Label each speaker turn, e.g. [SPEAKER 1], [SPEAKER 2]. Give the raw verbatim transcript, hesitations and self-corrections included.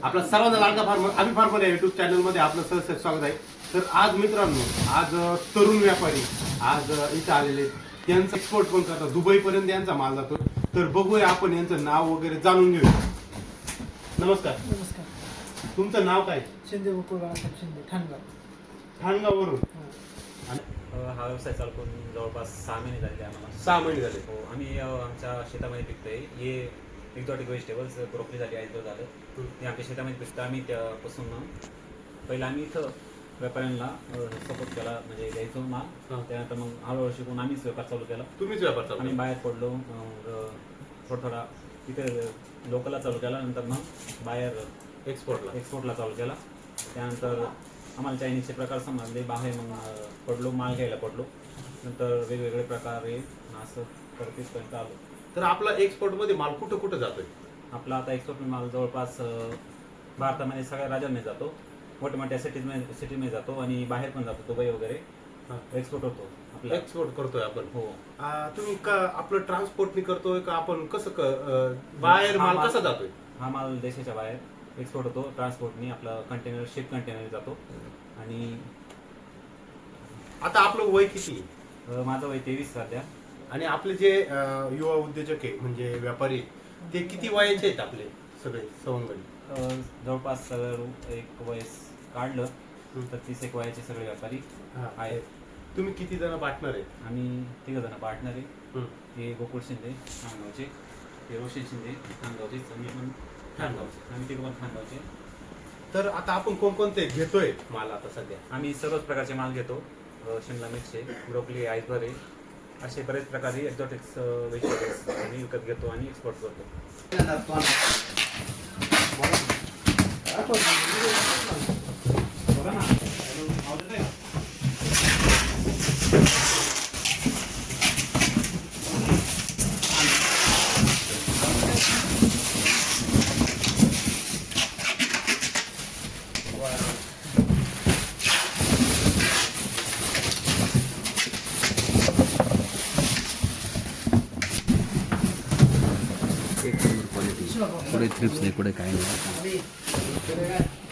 [SPEAKER 1] आपला सर्वांना लाडका फार्मर आम्ही फार्मर या युट्यूब चॅनलमध्ये आपलं सहर्ष स्वागत आहे. तर आज मित्रांनो, आज तरुण व्यापारी आज इथं आलेले, त्यांचा एक्सपोर्ट पण करतात, दुबईपर्यंत यांचा माल जातो. तर बघूया आपण यांचं नाव वगैरे जाणून घेऊया. नमस्कार.
[SPEAKER 2] नमस्कार.
[SPEAKER 1] तुमचं नाव काय?
[SPEAKER 2] शिंदे गोकुळ बाळासाहेब शिंदे, ठाणगाव.
[SPEAKER 1] ठाणगाववरून.
[SPEAKER 3] हा व्यवसाय चालू करून जवळपास सहा महिने झाले आम्हाला.
[SPEAKER 1] सहा महिने झाले.
[SPEAKER 3] हो, आम्ही आमच्या शेतामध्ये पिकतोय. हे एक्झॉटिक व्हेजिटेबल्स, ब्रोकली झाली, आयसबर्ग झालं, हे आमच्या शेतामध्ये पिकतं. आम्ही त्यापासून पहिलं आम्ही इथं व्यापाऱ्यांना सपोर्ट केला, म्हणजे द्यायचो माल. त्यानंतर मग हळूहळू शिकून आम्हीच व्यापार चालू केला.
[SPEAKER 1] तुम्हीच व्यापार चालू.
[SPEAKER 3] आम्ही बाहेर पडलो, थोडा थोडा इथे लोकलला चालू केला, नंतर मग बाहेर
[SPEAKER 1] एक्सपोर्टला
[SPEAKER 3] एक्सपोर्टला चालू केला. त्यानंतर आम्हाला चायनीजचे प्रकार समजले, बाहेर मग पडलो, माल घ्यायला पडलो. नंतर वेगवेगळे प्रकार आहे असं करतेपर्यंत आलो.
[SPEAKER 1] तर आपला एक्सपोर्टमध्ये माल कुठं कुठं जातोय?
[SPEAKER 3] आपला आता एक्सपोर्ट माल जवळपास भारतामध्ये सगळ्या राज्यांमध्ये जातो, मोठ्या मोठ्या सिटीजमध्ये सिटीमध्ये जातो आणि बाहेर पण जातो, दुबई वगैरे एक्सपोर्ट होतो. आपला
[SPEAKER 1] एक्सपोर्ट करतोय आपण.
[SPEAKER 3] हो.
[SPEAKER 1] तुम्ही का आपलं ट्रान्सपोर्टनी करतोय का आपण कसं बाहेर माल कसा जातोय?
[SPEAKER 3] हा माल देशाच्या बाहेर एक्सपोर्ट होतो ट्रान्सपोर्टनी. आपला कंटेनर शिप कंटेनर जातो. आणि
[SPEAKER 1] आता आपलं वय किती?
[SPEAKER 3] माझं वय तेवीस सध्या.
[SPEAKER 1] आणि आपले जे युवा उद्योजक आहे म्हणजे व्यापारी, ते किती वयाचे आहेत आपले सगळे सवंगडी?
[SPEAKER 3] जवळपास एक वयस काढलं तर तीस एक वयाचे सगळे व्यापारी आहेत.
[SPEAKER 1] तुम्ही किती जण पार्टनर आहे?
[SPEAKER 3] आम्ही तिघ जण पार्टनर आहे. हे गोकुळ शिंदे ठाणगावचे, हे रोशन शिंदे ठाणगावचे, मी पण ठाणगावचे, आम्ही तिघ पण ठाणगावचे.
[SPEAKER 1] तर आता आपण कोणकोणते घेतोय माल आता सध्या?
[SPEAKER 3] आम्ही सर्वच प्रकारचे माल घेतो. शिमला मिरची, ब्रोकली, आयसबर्ग, असे बरेच प्रकारे एक्झॉटिक्स व्हेजिटेबल्स आम्ही विकत घेतो आणि एक्सपोर्ट करतो.
[SPEAKER 4] पुढे थ्रिप्स नाही, पुढे काय नाही.